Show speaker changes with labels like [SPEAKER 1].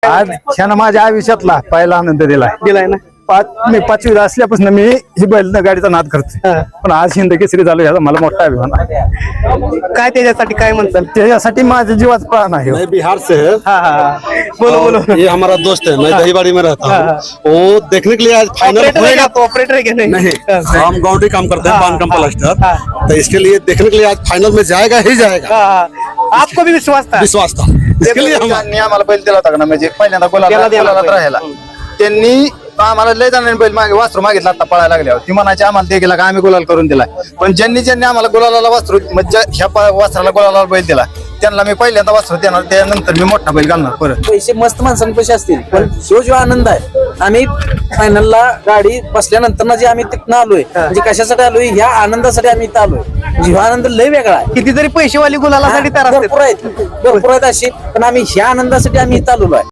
[SPEAKER 1] आज ह्यानं माझ्या आयुष्यातला पहिला आनंद दिलाय
[SPEAKER 2] ना?
[SPEAKER 1] मी 5वीला असल्यापासून मी ही बैल गाडीचा नाद करतोय. पण आज हिंद केसरी झालो याचा मला मोठा अभिमान आहे.
[SPEAKER 2] काय त्याच्यासाठी काय म्हणतात?
[SPEAKER 1] त्याच्यासाठी माझ्या जीवाचा प्राण आहे.
[SPEAKER 3] मैं बिहार से है।
[SPEAKER 2] बोलो बोलो.
[SPEAKER 3] ये हमारा दोस्त है, मैं दहीबाड़ी में रहता हूँ। वो देखने के लिए आज फाइनल होएगा।
[SPEAKER 2] ऑपरेटर है क्या?
[SPEAKER 3] नहीं, हम गाउंडी काम करते हैं, बांध कम प्लास्टर। तो इसके लिए देखने के लिए आज फाइनल में जाएगा ही जाएगा,
[SPEAKER 2] आपको भी विश्वास था?
[SPEAKER 3] विश्वास था। इसके लिए हम
[SPEAKER 1] त्यांनी आम्हाला बैल दिला होता का ना, म्हणजे पहिल्यांदा
[SPEAKER 2] त्याला दिला
[SPEAKER 1] गोलाला
[SPEAKER 2] बैल.
[SPEAKER 1] राहायला त्यांनी आम्हाला लय जणांनी बैल मागे वासरू मागितला आता पळायला लागल्यावर ती म्हणायची आम्हाला ते गेला का आम्ही गुलाल करून दिलाय. पण ज्यांनी आम्हाला गुलाला वासरू म्हणजे ह्या वासराला गुलाला बैल दिला त्यांना मी पहिल्यांदा वासरू देणार, त्यानंतर मी मोठा बैल घालणार परत.
[SPEAKER 4] पैसे मस्त माणसांपाशी असतील, पण जो आनंद आहे आम्ही फायनलला गाडी बसल्यानंतर जे आम्ही तिथनं आलोय, म्हणजे कशासाठी आलोय, ह्या आनंदासाठी आम्ही इथं आलोय. म्हणजे हा आनंद लय वेगळा आहे.
[SPEAKER 2] कितीतरी पैसेवाली गुलालासाठी तयार असतात.
[SPEAKER 4] भरपूर आहेत अशी, पण आम्ही ह्या आनंदासाठी आम्ही इथं आलेलो आहे.